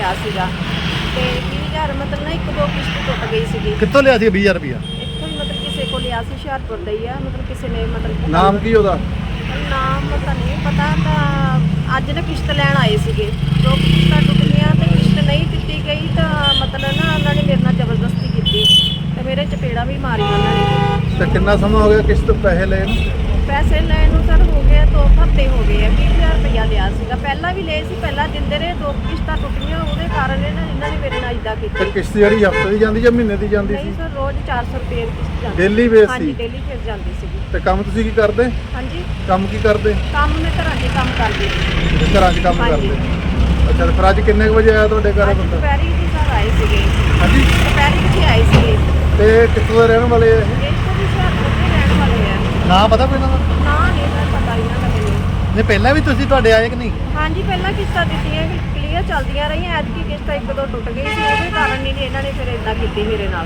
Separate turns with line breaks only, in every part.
ਲਿਆ ਸੀਗਾ ਤੇ 20000 ਮਤਲਬ ਨਾ 1-2 ਕਿਸ਼ਤ ਟੁੱਟ ਗਈ ਸੀਗੀ।
ਕਿੱਥੋਂ ਲਿਆ ਸੀ 20000 ਰੁਪਇਆ?
ਇੱਥੋਂ ਹੀ ਮਤਲਬ ਕਿਸੇ ਕੋਲ ਲਿਆ ਸੀ, ਹੁਸ਼ਿਆਰਪੁਰ ਦਾ ਹੀ ਆ, ਮਤਲਬ ਕਿਸੇ ਨੇ ਮਤਲਬ
ਨਾਮ ਕੀ ਉਹਦਾ?
ਨਾਮ ਤਾਂ ਨਹੀਂ ਪਤਾ। ਤਾਂ ਅੱਜ ਨਾ ਕਿਸ਼ਤ ਲੈਣ ਆਏ ਸੀਗੇ, 2 ਕਿਸ਼ਤਾਂ ਟੁੱਟ ਗਈਆਂ ਤੇ ਕਿਸ਼ਤ ਨਹੀਂ ਦਿੱਤੀ ਗਈ ਤਾਂ ਮਤਲਬ ਨਾ ਉਹਨਾਂ ਨੇ ਮੇਰੇ ਨਾਲ ਜ਼ਬਰਦਸਤੀ ਕੀਤੀ ਤੇ ਮੇਰੇ ਚਪੇੜਾਂ ਵੀ ਮਾਰੀਆਂ ਉਹਨਾਂ ਨੇ।
ਤੇ ਕਿੰਨਾ ਸਮਾਂ ਹੋ ਗਿਆ ਕਿਸ਼ਤ ਪੈਸੇ ਲੈਣ ਨੂੰ?
ਪੈਸੇ ਲੈਣ ਨੂੰ ਸਰ ਹੋ ਗਏ 2 ਹਫ਼ਤੇ ਹੋ ਗਏ ਆ। 20000 ਰੁਪਇਆ ਲਿਆ ਸੀਗਾ, ਪਹਿਲਾਂ ਵੀ ਲਏ ਸੀ, ਪਹਿਲਾਂ ਦਿੰਦੇ ਰਹੇ, 2 ਕਿਸ਼ਤਾਂ ਟੁੱਟੀਆਂ ਉਹਦੇ ਕਾਰਨ ਇਹਨਾਂ ਨੇ ਮੇਰੇ ਨਾਲ ਇੱਦਾਂ
ਤੇ
ਕੀਤੀ।
ਕਿਸ਼ਤ ਜਿਹੜੀ ਹਫ਼ਤੇ ਦੀ ਜਾਂਦੀ ਜਾਂ ਮਹੀਨੇ ਦੀ ਜਾਂਦੀ
ਨਹੀਂ
ਸੀ?
ਸਰ ਰੋਜ਼ 400 ਰੁਪਏ ਦੀ ਕਿਸ਼ਤ ਜਾਂਦੀ।
ਡੇਲੀ ਬੇਸ
ਹਾਂਜੀ
ਸੀ?
ਡੇਲੀ ਫਿਰ ਜਾਂਦੀ ਸੀਗੀ।
ਤੇ ਕੰਮ ਤੁਸੀਂ ਕੀ ਕਰਦੇ?
ਹਾਂਜੀ
ਕੰਮ ਕੀ ਕਰਦੇ?
ਕੰਮ ਮੈਂ ਘਰਾਂ 'ਚ ਕੰਮ ਕਰਦੀ ਸੀ।
ਘਰਾਂ 'ਚ ਕੰਮ
ਹਾਂਜੀ।
ਕਰਦੇ? ਅੱਛਾ, ਤੇ ਫਿਰ ਅੱਜ ਕਿੰਨੇ ਕੁ ਵਜੇ ਆਇਆ ਤੁਹਾਡੇ ਘਰ
ਅੱਜ
ਬੰਦਾ?
ਦੁਪਹਿਰੀ ਜੀ ਸਰ ਆਏ ਸੀਗੇ।
ਹਾਂਜੀ।
ਦੁਪਹਿਰੀ ਕਿੱਥੇ ਆਏ ਸੀਗੇ?
ਤੇ ਕਿੱਥੋਂ ਦੇ ਰਹਿਣ ਵਾਲੇ ਆ ਇਹ?
ਇਹ ਤੋਂ ਵੀ ਹੁਸ਼ਿਆਰਪੁਰ ਦੇ ਰਹਿਣ ਵਾਲੇ ਆ।
ਨਾਂ ਪਤਾ ਕੋਈ ਇਹਨਾਂ ਦਾ?
ਨਾ ਨਹੀਂ ਸਰ ਪਤਾ ਇਹਨਾਂ ਦਾ ਮੈਨੂੰ।
ਨਹੀਂ ਪਹਿਲਾਂ ਵੀ ਤੁਸੀਂ ਤੁਹਾਡੇ ਆਏ ਕਿ ਨਹੀਂ?
ਹਾਂਜੀ ਪਹਿਲਾਂ ਕਿਸ਼ਤਾਂ ਦਿੱਤੀਆਂ ਕਲੀਅਰ ਚੱਲਦੀਆਂ ਰਹੀਆਂ, ਐਤਕੀ ਕਿਸ਼ਤ 1-2 ਟੁੱਟ ਗਈ ਸੀ, ਉਹਦੇ ਕਾਰਨ ਨਹੀਂ ਇਹਨਾਂ ਨੇ ਫਿਰ ਇਦਾਂ ਕੀਤੀ ਮੇਰੇ ਨਾਲ।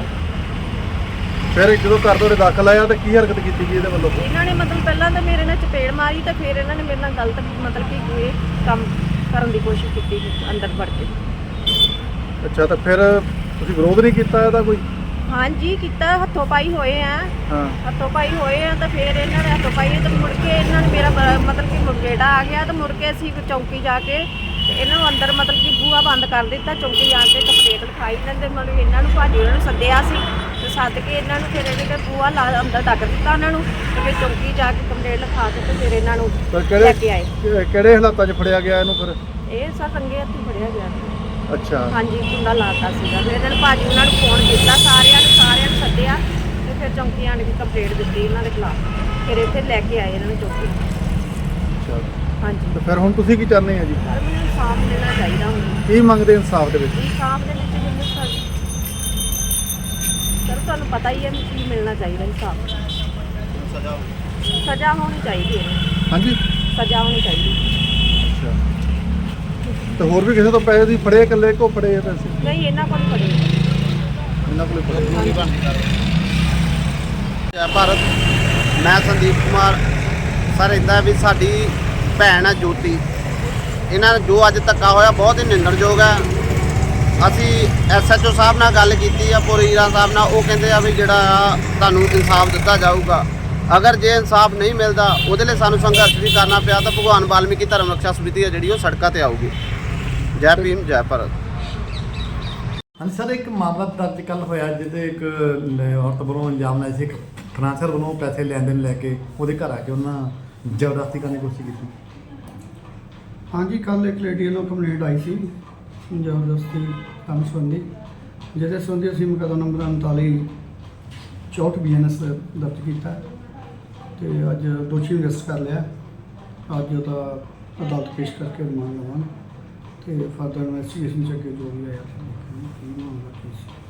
ਫਿਰ ਜਦੋਂ ਘਰ ਤੁਹਾਡੇ ਦਾਖਲ ਆਇਆ ਤਾਂ ਕੀ ਹਰਕਤ ਕੀਤੀ ਜੀ ਇਹਦੇ ਵੱਲੋਂ?
ਇਹਨਾਂ ਨੇ ਮਤਲਬ ਪਹਿਲਾਂ ਤਾਂ ਮੇਰੇ ਨਾਲ ਚਪੇੜ ਮਾਰੀ ਤੇ ਫਿਰ ਇਹਨਾਂ ਨੇ ਮੇਰੇ ਨਾਲ ਗਲਤ ਮਤਲਬ ਕਿ ਇਹ ਕੰਮ ਕਰਨ ਦੀ ਕੋਸ਼ਿਸ਼ ਕੀਤੀ ਅੰਦਰ ਵੜ ਕੇ।
ਅੱਛਾ, ਤਾਂ ਫਿਰ ਤੁਸੀਂ ਵਿਰੋਧ ਨਹੀਂ ਕੀਤਾ ਇਹਦਾ ਕੋਈ?
ਹਾਂਜੀ ਕੀਤਾ, ਹੱਥੋਂ ਪਾਈ ਹੋਏ ਆ।
ਹਾਂ।
ਹੱਥੋਂ ਪਾਈ ਹੋਏ ਆ ਤਾਂ ਫਿਰ ਇਹਨਾਂ ਨੇ ਹੱਥੋਂ ਪਾਈ ਤੇ ਮੁੜ ਕੇ ਇਹਨਾਂ ਨੇ ਮੇਰਾ ਮਤਲਬ ਕਿ ਮੁਰਗੇੜਾ ਆ ਗਿਆ ਤੇ ਮੁੜ ਕੇ ਅਸੀਂ ਚੌਂਕੀ ਜਾ ਕੇ ਤੇ ਇਹਨਾਂ ਨੂੰ ਅੰਦਰ ਮਤਲਬ ਕਿ ਬੂਹਾ ਬੰਦ ਕਰ ਦਿੱਤਾ। ਚੌਂਕੀ ਜਾ ਕੇ ਕੰਪਲੇਂਟ ਲਿਖਾਈ ਇਹਨਾਂ ਦੇ, ਮਤਲਬ ਇਹਨਾਂ ਨੂੰ ਭਾਜੀ ਉਹਨਾਂ ਨੂੰ ਸੱਦਿਆ ਸੀ ਤੇ ਸੱਦ ਕੇ ਇਹਨਾਂ ਨੂੰ ਫਿਰ ਇਹਨੇ ਬੂਹਾ ਅੰਦਰ ਡੱਕ ਦਿੱਤਾ ਉਹਨਾਂ ਨੂੰ ਤੇ ਫਿਰ ਚੌਂਕੀ ਜਾ ਕੇ ਕੰਪਲੇਂਟ ਲਿਖਾ ਕੇ ਤੇ ਫਿਰ ਇਹਨਾਂ ਨੂੰ
ਪਰ
ਲੈ ਕੇ ਆਏ।
ਕਿਹੜੇ ਹਾਲਾਤਾਂ 'ਚ ਫੜਿਆ ਗਿਆ ਇਹਨੂੰ ਫਿਰ?
ਇਹ ਸਰ ਰੰਗੇ ਹੱਥੀਂ ਫੜਿਆ ਗਿਆ।
ਅੱਛਾ।
ਹਾਂਜੀ ਕੁੰਡਾ ਲਾਤਾ ਸੀਗਾ। ਫਿਰ ਇਹਨਾਂ ਨੇ ਭਾਜੀ ਉਹਨਾਂ ਨੂੰ ਫੋਨ ਕੀਤਾ, ਸਾਰਿਆਂ ਨੂੰ ਸੱਦਿਆ ਤੇ ਫਿਰ ਚੌਂਕੀ ਆਣ ਕੇ ਕੰਪਲੇਂਟ ਦਿੱਤੀ ਇਹਨਾਂ ਦੇ ਖਿਲਾਫ। ਫਿਰ ਇੱਥੇ ਲੈ ਕੇ ਆਏ ਇਹਨਾਂ ਨੂੰ ਚੌਂਕੀ।
ਅੱਛਾ,
ਹਾਂਜੀ
ਤੇ ਫਿਰ ਹੁਣ ਤੁਸੀਂ ਕੀ ਚਾਹੁੰਦੇ ਆ ਜੀ?
ਸਰ ਮੈਨੂੰ ਇਨਸਾਫ ਮਿਲਣਾ ਚਾਹੀਦਾ ਹੁਣ।
ਕੀ ਮੰਗਦੇ ਇਨਸਾਫ ਦੇ ਵਿੱਚ?
ਇਨਸਾਫ ਦੇ ਵਿੱਚ ਮੈਨੂੰ ਸਰ ਤੁਹਾਨੂੰ ਪਤਾ ਹੀ ਹੈ ਮੈਨੂੰ ਕੀ ਮਿਲਣਾ ਚਾਹੀਦਾ। ਇਨਸਾਫ ਸਜ਼ਾ ਹੋਣੀ ਚਾਹੀਦੀ ਹੈ।
ਹਾਂਜੀ,
ਸਜ਼ਾ ਹੋਣੀ ਚਾਹੀਦੀ।
ਅੱਛਾ। ਤੇ ਹੋਰ ਵੀ ਕਿਸੇ ਤੋਂ ਪੈਸੇ ਤੁਸੀਂ ਫੜੇ? ਇਕੱਲੇ ਕੋ ਫੜੇ ਆ ਪੈਸੇ?
ਨਹੀਂ ਇਹਨਾਂ ਕੋਲ ਫੜੇ।
ਇਹਨਾਂ ਕੋਲ ਫੜੇ?
ਜੈ ਭਾਰਤ। ਮੈਂ ਸੰਦੀਪ ਕੁਮਾਰ। ਸਰ ਇੱਦਾਂ ਵੀ ਸਾਡੀ ਭੈਣ ਹੈ ਜੋਤੀ, ਇਹਨਾਂ ਨੇ ਜੋ ਅੱਜ ਧੱਕਾ ਹੋਇਆ ਬਹੁਤ ਹੀ ਨਿੰਦਣਯੋਗ ਹੈ। ਅਸੀਂ SHO ਸਾਹਿਬ ਨਾਲ ਗੱਲ ਕੀਤੀ ਆ, ਪੁਰੀਰਾ ਸਾਹਿਬ ਨਾਲ, ਉਹ ਕਹਿੰਦੇ ਆ ਵੀ ਜਿਹੜਾ ਆ ਤੁਹਾਨੂੰ ਇਨਸਾਫ ਦਿੱਤਾ ਜਾਊਗਾ। ਅਗਰ ਜੇ ਇਨਸਾਫ ਨਹੀਂ ਮਿਲਦਾ ਉਹਦੇ ਲਈ ਸਾਨੂੰ ਸੰਘਰਸ਼ ਵੀ ਕਰਨਾ ਪਿਆ ਤਾਂ ਭਗਵਾਨ ਵਾਲਮੀਕੀ ਧਰਮ ਰਕਸ਼ਾ ਸਮਿਤੀ ਹੈ ਜਿਹੜੀ ਉਹ ਸੜਕਾਂ ਤੇ ਆਊਗੀ। ਜੈ ਭੀਮ ਜੈ ਭਾਰਤ।
ਹਾਂਜੀ ਸਰ, ਇੱਕ ਮਾਮਲਾ ਦਰਜ ਕੱਲ ਹੋਇਆ ਜਿਹਦੇ ਇੱਕ ਔਰਤ ਵੱਲੋਂ ਇਲਜ਼ਾਮ ਲਾਇਆ ਸੀ, ਇੱਕ ਫਾਈਨਾਂਸਰ ਵੱਲੋਂ ਪੈਸੇ ਲੈਣ ਦੇਣ ਲੈ ਕੇ ਉਹਦੇ ਘਰ ਆ ਕੇ ਉਹਨਾਂ ਜ਼ਬਰਦਸਤੀ ਕਰਨ ਦੀ ਕੋਸ਼ਿਸ਼ ਕੀਤੀ।
ਹਾਂਜੀ, ਕੱਲ੍ਹ ਇੱਕ ਲੇਡੀ ਵੱਲੋਂ ਕੰਪਲੇਂਟ ਆਈ ਸੀ ਜ਼ਬਰਦਸਤੀ ਕੰਮ ਸੰਬੰਧੀ, ਜਿਹਦੇ ਸੰਬੰਧੀ ਅਸੀਂ ਮੁਕੱਦਮਾ ਨੰਬਰ 39/64 BNS ਦਰਜ ਕੀਤਾ ਤੇ ਅੱਜ ਦੋਸ਼ੀ ਨੂੰ ਅਰੈਸਟ ਕਰ ਲਿਆ। ਅੱਜ ਉਹਦਾ ਅਦਾਲਤ ਪੇਸ਼ ਕਰਕੇ ਰਿਮਾਂਡ ਲਵਾਂਗੇ ਤੇ ਫਰਦਰ ਇਨਵੈਸਟੀਗੇਸ਼ਨ 'ਚ ਅੱਗੇ ਜੋ ਵੀ ਆਇਆ ਕੀ ਮਾਮਲਾ ਕੀ ਸੀ।